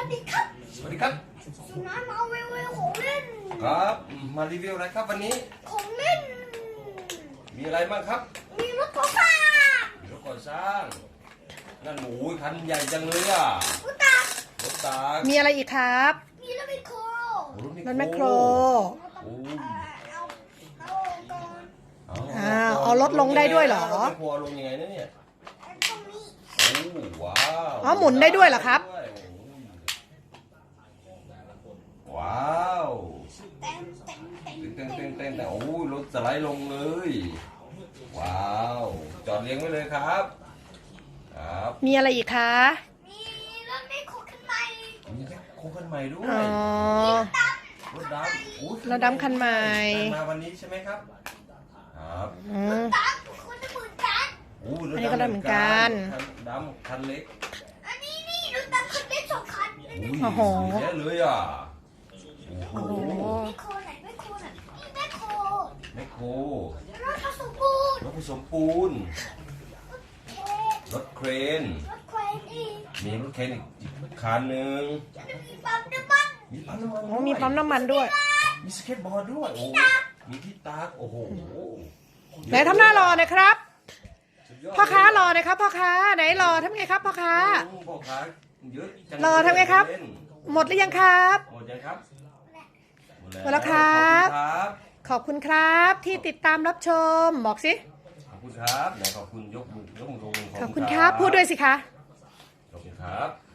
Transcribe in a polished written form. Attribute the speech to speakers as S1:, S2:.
S1: ดีครับ
S2: สวัสดีครับ
S1: สุนัขมาเวลของเล่น
S2: ครับมารีวิวอะไรครับวันนี้
S1: ของเล่น
S2: มีอะไรบ้างครับ
S1: มีรถก่อสร้าง
S2: มีรถก่อสร้างนั่นหมูคันใหญ่จังเลยอ่ะ
S1: รถตัก
S2: รถตัก
S3: มีอะไรอีกครับ
S1: มีรถแมคโคร
S3: รถแมคโครเอารถลงได้ด้วยเหรอ
S2: รถแมคโครลงยังไงนะเนี่ย
S1: ตรงนี้
S2: โอ้ว้าว
S3: อ๋อหมุนได้ด้วยเหรอครับ
S2: ว้าว
S1: เต็ม
S2: แต่โอ้รถสไลด์ลงเลยว้าวจอดเรียงไว้เลยครับครับ
S3: มีอะไรอีกคะ
S1: มีรถแมคโครคันใหม่
S2: มีโค้งคันใหม่ด้วย
S3: อ๋อ
S2: รถดำ
S3: รถดำคันใหม่
S2: มาวันนี้ใช่ไหมครับครับ
S1: รถตักคนละหมื่นกัน
S3: อันนี้ก็ได้เหมือนกัน
S2: ดำคันเล็ก
S1: อันนี้รถตักคันเล็ก2 คัน
S3: โอ้โห
S2: เยอะเลยอ่ะโอ้โห
S1: แมคโครไหนแมคโครน่ะนี่แมคโครรถผสมปูน
S2: รถผสมปูนรถเครน
S1: อีก
S2: มีรถเครนอีกคันหนึ่ง
S1: มีปั๊มน้ำมัน
S3: มีปั๊มน้ำมันด้วย
S2: มีสเก็ตบอร์ดด้วยโอ้มีที่ตากโอ้โห
S3: ไหนทำหน้ารอหน่อยครับพ่อค้ารอหน่อยครับพ่อค้าไหนรอทำไงครับพ่อค้า
S2: เยอะ
S3: รอทำไงครับหมดหรือยังครับ
S2: หมดยังครับ
S3: หมดแล้วครับขอบคุณครับที่ติดตามรับชมบอกสิ
S2: ขอบคุณครับไหนขอบคุณยกมือลง
S3: ขอบคุณครับพูดด้วยสิคะ
S2: ขอบคุณครับ